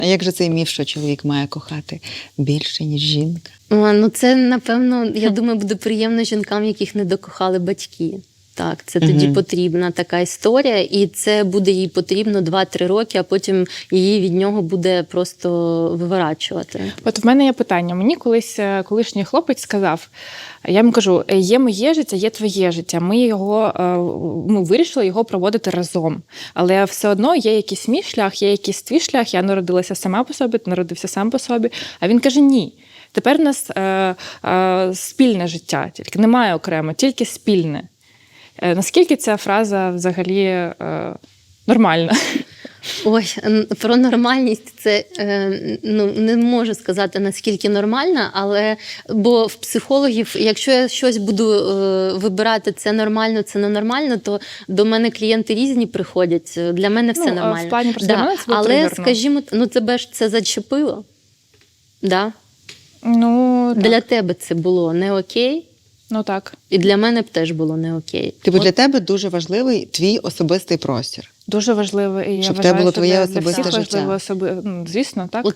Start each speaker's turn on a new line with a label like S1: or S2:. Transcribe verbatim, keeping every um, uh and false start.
S1: А як же цей міф, що чоловік має кохати більше, ніж жінка?
S2: А, ну це, напевно, я думаю, буде приємно жінкам, яких не докохали батьки. Так, це тоді
S1: Мгм.
S2: потрібна така історія, і це буде їй потрібно два-три роки, а потім її від нього буде просто виворачувати.
S3: От в мене є питання. Мені колись е, колишній хлопець сказав, я йому кажу, «Е, є моє життя, є твоє життя. Ми його е, ми вирішили його проводити разом. Але все одно є якийсь мій шлях, є якийсь твій шлях. Я народилася сама по собі, ти народився сам по собі. А він каже, ні. Тепер у нас е, е, спільне життя, тільки немає окремо, тільки спільне. Е, наскільки ця фраза взагалі е, нормальна?
S2: Ой, н- про нормальність це е, ну, не можу сказати, наскільки нормальна, але бо в психологів, якщо я щось буду е, вибирати, це нормально, це ненормально, то до мене клієнти різні приходять. Для мене все
S3: Ну, а
S2: нормально.
S3: в плані просто для мене це було
S2: але,
S3: тригерно.
S2: скажімо, ну тебе ж це зачепило. Да?
S3: Ну, так.
S2: Для тебе це було не окей,
S3: Ну так.
S2: і для мене б теж було не окей.
S1: Типу,
S2: От
S1: для тебе дуже важливий твій особистий простір.
S3: Дуже важливо. І я
S1: Щоб в
S3: вважаю,
S1: тебе було
S3: що
S1: твоє
S3: для-
S1: особисте
S3: для всіх
S1: життя.
S3: важливо особи... ну, звісно, так.
S2: От